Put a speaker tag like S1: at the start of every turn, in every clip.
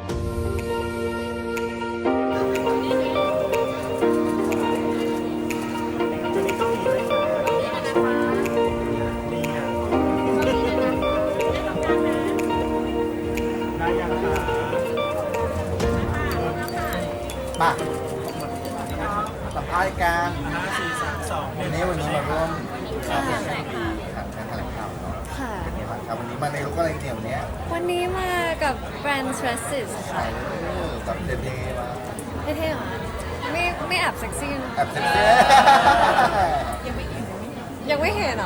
S1: มาสัมภาษณ์กัน
S2: 5 4 3 2
S1: วันนี้มาร่วมการแถลงข่าวเนาะ
S3: ค่ะ
S1: เป็นไงบ้างครับวันนี้มาในลุคอะไรเนี่ยวันนี้
S3: วันนี้มากับแบรนด์ Stresses ค่ะ
S1: แบบเท่ๆมา
S3: เท่ๆเหรอไม่แอบเซ็กซี่นะ
S1: แอบเซ็กซี่
S3: ยังไม่เห็นเหรอ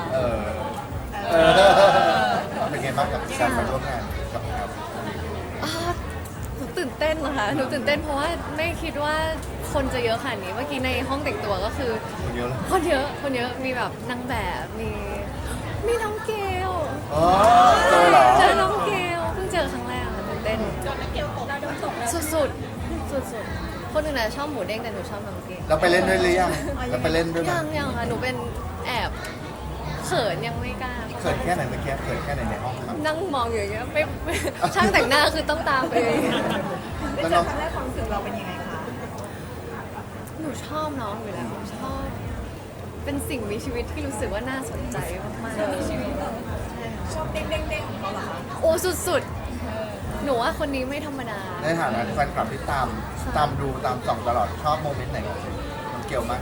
S1: เป็นไงบ้างกับการมาร่วมงานกับเรา
S3: อ่าหนูตื่นเต้นนะคะหนูตื่นเต้นเพราะว่าไม่คิดว่าคนจะเยอะขนาดนี้เมื่อกี้ในห้องแต่งตัวก็คือ
S1: คนเยอะเลย
S3: คนเยอะมีแบบนางแบบมีน้องเกล
S1: อ๋อเจอเหรอ
S3: เจอน้องเกลเพิ่งเจอครั้งแรกค่ะตื่นเต้นจนน้องเกลตกเราโดนตกสุดคนอื่นน่ะชอบหมูเด้งแต่หนูชอบน้องเกล
S1: เราไปเล่นด้วยหรือยังเราไปเล่นด้วยไหม
S3: ยังค่ะหนูเป็นแอบเขินยังไม่กล้า
S1: เขินแค่ไหนเมื่อกี้เขินแค่ไหนในห้องครับ
S3: นั่งมองอยู่อย่างเงี้ยไม่ช่างแต่งหน้าคือต้องตามไป
S1: แล้วน้อง
S4: ครั้งแรกความรู้สึกเราเป็นยังไงคะ
S3: หนูชอบน้องอยู่แล้วชอบ เป็นสิ่งมีชีวิตที่รู้สึกว่าน่าสนใจมากๆมีชีวิต
S4: ชอบเด้งๆของเขาเหรอคะ
S3: โอ้สุดๆหนูว่าคนนี้ไม่ธรรมดา
S1: ในฐานะแฟนคลับที่ตามดูตามส่องตลอดชอบโมเมนต์ไหนของมันเกี่ยวมาก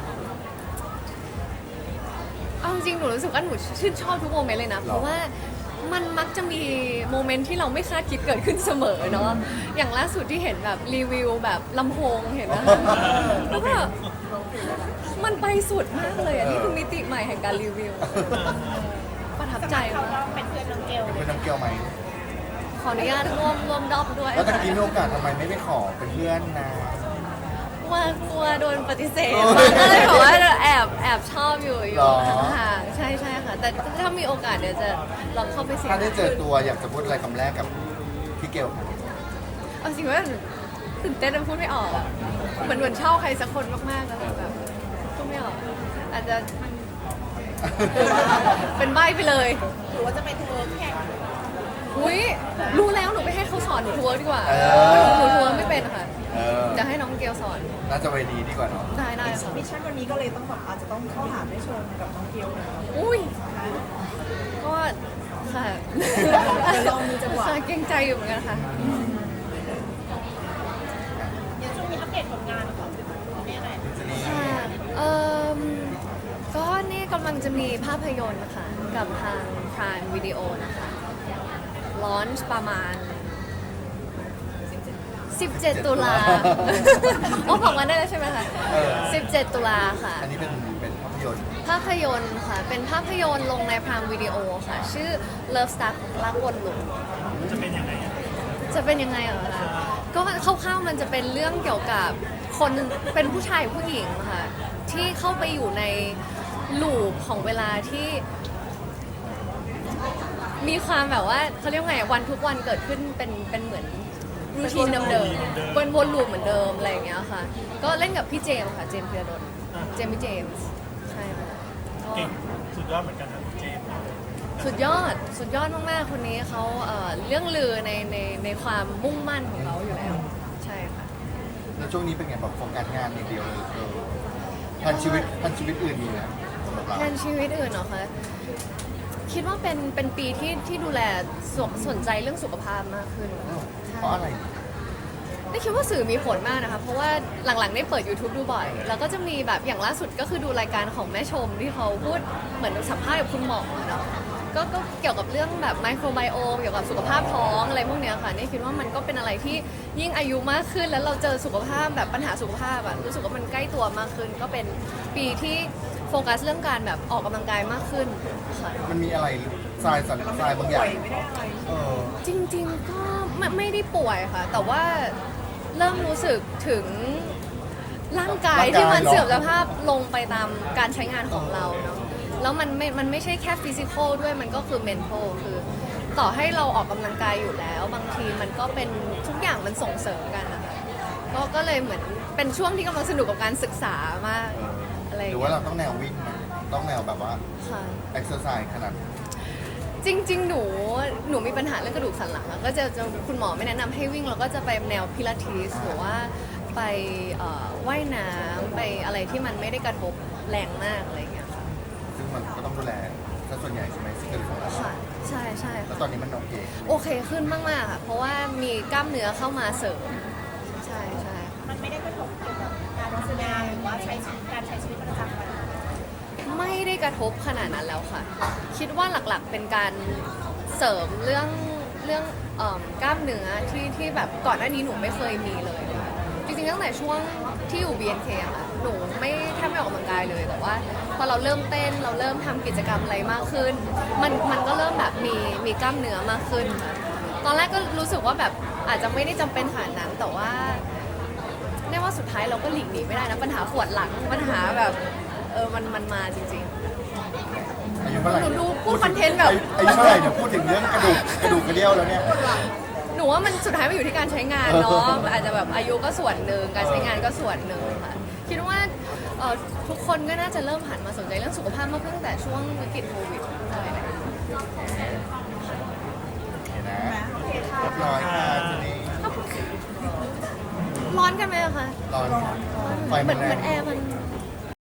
S3: เอาจริงๆหนูรู้สึกว่าหนูชื่นชอบทุกโมเมนต์เลยนะ
S1: หรอ
S3: เพราะว่ามันมักจะมีโมเมนต์ที่เราไม่คาดคิดเกิดขึ้นเสมอเนาะ อย่างล่าสุดที่เห็นแบบรีวิวแบบลำโพงเห็นนะ แล้วก็มันไปสุดมากเลยอันนี้คือมิติใหม่แห่งการรีวิว ประทับใจ
S4: เขา
S3: มาก
S4: ก็เป็นเพื่อนน้องเกล
S1: เป็นน้ำเกี่ยวไหม
S3: ขออนุญาตร่วมดอบด้วย
S1: แล้วตะกี้มีโอกาสทำไมไม่ไปขอเป็นเพื่อนนะ
S3: ว่ากลัวโดนปฏิเสธ
S1: โอ้ย
S3: ก็เลยบอกว่าแอบชอบอยู่
S1: หรอ
S3: ห่างๆใช่ค่ะ แต่ถ้ามีโอกาสเดี๋ยวจะลองเข้าไปเสียง
S1: ถ้าได้เจอตัวอยากจะพูดอะไรคำแรกกับพี่เกลครับ
S3: เอาจริงว่าตื่นเต้นจนพูดไม่ออกอะเหมือนชอบใครสักคนมากๆแล้วแบบพูดไม่ออก อาจจะเป็นใบ้ไปเลย
S4: หรือว่าจะไปทัวร์แข่ง
S3: อุ้ยรู้แล้วหนูไปให้เขาสอนหนูทัวร์ดีกว่า
S1: เออ
S3: หนูทัวร์ไม่เป็นค่ะ
S1: เออ
S3: จะให้น้องเกลสอน
S1: น่าจะไปดีดีกว่าเนาะ
S3: ได้ค่ะ
S4: มิชชั่นวันนี้ก็เลยต้องแบบอาจจะต้องเข้าหาได้ชมกับน้องเกลหน่อย
S3: อุ้ยก็ค่ะ
S4: เดี๋ยวลองดูจังหวะ
S3: ค่ะเกรงใจอยู่เหมือนกันค่ะ
S4: เดี๋ยวช่วงนี้อัปเดตผลงานของนี่ไหน
S1: ทีนี้
S3: ค่ะก็นี่กำลังจะมีภาพยนตร์นะคะกับทาง Prime Video นะคะลอนช์ประมาณ 17 ตุลา โอ้ของวันได้แล้วใช่ไหมคะ 17 ตุลาค่ะ
S1: อันนี้เป็นภาพยนตร์
S3: ภาพยนตร์ค่ะ เป็นภาพยนตร์ลงใน Prime Video ค่ะ ชื่อ Love Stuck รักวนลูป
S2: จะเป็นยังไงอะ
S3: จะเป็นยังไงเหรอคะก็คร่าวๆมันจะเป็นเรื่องเกี่ยวกับคนเป็นผู้ชายผู้หญิงค่ะ ที่เข้าไปอยู่ในลูปของเวลาที่ มีความแบบว่าเขาเรียกว่าไงวันทุกวันเกิดขึ้นเป็นเหมือนรูทีนเดิมๆวนลูปเหมือนเดิมอะไรอย่างเงี้ยค่ะ ก็เล่นกับพี่เจมส์ค่ะ เจมส์พีระดลเจมส์ใช่ค่ะก็
S2: เก่งสุดยอดเหมือนกันนะเจมส์
S3: สุดยอดมากๆคนนี้เขาเรื่องลือในความมุ่งมั่นของเขาอยู่แล้ว ใช่ค่ะ
S1: แล้วช่วงนี้เป็นไงแบบโฟกัสงานอย่างเดียวเลยพันชีวิตอื่นมีไหมสำหรับเรา
S3: แทนชีวิตอื่นเหรอคะคิดว่าเป็นปีที่ดูแลสนใจเรื่องสุขภาพมากขึ้น
S1: เพราะอะไร
S3: ได้คิดว่าสื่อมีผลมากนะคะ เพราะว่าหลังๆได้เปิด YouTube ดูบ่อย แล้วก็จะมีแบบอย่างล่าสุดก็คือดูรายการของแม่ชมที่เขาพูดเหมือนสัมภาษณ์กับคุณหมอเนาะก็เกี่ยวกับเรื่องแบบไมโครไบโอมเกี่ยวกับสุขภาพท้องอะไรพวกเนี้ยค่ะนี่คิดว่ามันก็เป็นอะไรที่ยิ่งอายุมากขึ้น แล้วเราเจอสุขภาพแบบปัญหาสุขภาพอะรู้สึกว่ามันใกล้ตัวมากขึ้น ก็เป็นปีที่โฟกัสเรื่องการแบบออกกำลังกายมากขึ้นค่ะ
S1: มันมีอะไรทรายสันทรายบางอย่าง
S4: ไม่ได้อะไร
S1: เออ
S3: จริงๆก็ไม่ได้ป่วยค่ะ แต่ว่าเริ่มรู้สึกถึงร่างกายที่มันเสื่อมสภาพลงไปตามการใช้งานของเราเนาะแล้วมันไม่ใช่แค่ฟิสิกอลด้วยมันก็คือเมนทัลคือต่อให้เราออกกำลังกายอยู่แล้ว บางทีมันก็เป็นทุกอย่างมันส่งเสริมกันนะคะก็เลยเหมือนเป็นช่วงที่กำลังสนุกกับการศึกษามากอะไรอ
S1: ห
S3: ย่าง
S1: รือว่า
S3: เงี้ย
S1: เราต้องแนววิ่งไหมต้องแนวแบบว่า
S3: ค่ะ
S1: เอ็กซ์เซอร์ไซส์ขนาด
S3: จจริงๆ หนูมีปัญหาเรื่องกระดูกสันหลังอะก็จะคุณหมอไม่แนะนำให้วิ่งเราก็จะไปแนวพิลาทิสหรือว่าไปว่ายน้ำไปอะไรที่มันไม่ได้กระทบแรงมากอะไรอย่างเงี้ยค่ะ
S1: ซึ่งมันก็ต้องดูแลซะส่วนใหญ่ใช่ไหมซึ่งกระดูกของเรา
S3: ค่ะใช่ใช่
S1: แล้ว
S3: ค่ะ
S1: ตอนนี้มันโอเค
S3: โอเคขึ้นมากๆค่ะเพราะว่ามีกล้ามเนื้อเข้ามาเสริมใช่ใช่
S4: มันไม่ได้กระทบเกี่ยวกับการแสดงหรือว่าการใช้ชีวิตประจำวัน
S3: ไม่ได้กระทบขนาดนั้นแล้วค่ะ คิดว่าหลักๆเป็นการเสริมเรื่องกล้ามเนื้อที่แบบก่อนหน้านี้หนูไม่เคยมีเลยค่ะจริงๆตั้งแต่ช่วงที่อยู่ BNK อะค่ะหนูแทบไม่ออกกำลังกายเลยแต่ว่าพอเราเริ่มเต้นเราเริ่มทำกิจกรรมอะไรมากขึ้น มันก็เริ่มแบบมีกล้ามเนื้อมากขึ้นค่ะตอนแรกก็รู้สึกว่าแบบอาจจะไม่ได้จำเป็นขนาดนั้นแต่ว่าแน่ว่าสุดท้ายเราก็หลีกหนีไม่ได้นะปัญหาปวดหลังปัญหาแบบมันมาจริงๆ
S1: อายุเท่าไหร่
S3: หนูดูพูดคอนเทนต์แบบ
S1: อายุเท่าไหร่เนี่ยพูดถึงเรื่องกระดูกกระเดี่ยวแล้วเนี่ย
S3: หนูว่ามันสุดท้ายมันอยู่ที่การใช้งานเนาะ อาจจะแบบอายุก็ส่วนหนึ่งการใช้งานก็ส่วนหนึ่งค่ะ คิดว่าทุกคนก็น่าจะเริ่มหันมาสนใจเรื่องสุขภาพมากขึ้นตั้งแต่ช่วงวิกฤตโควิดอะไรแบบนี้
S1: เห็นนะเรียบร้อยค่ะทีนี้
S3: ร้อนกันไหมอะคะ
S1: ร้อนไฟ
S3: เหมื
S1: มั
S3: อน น
S1: แร
S3: เหมือง นแอร์มัน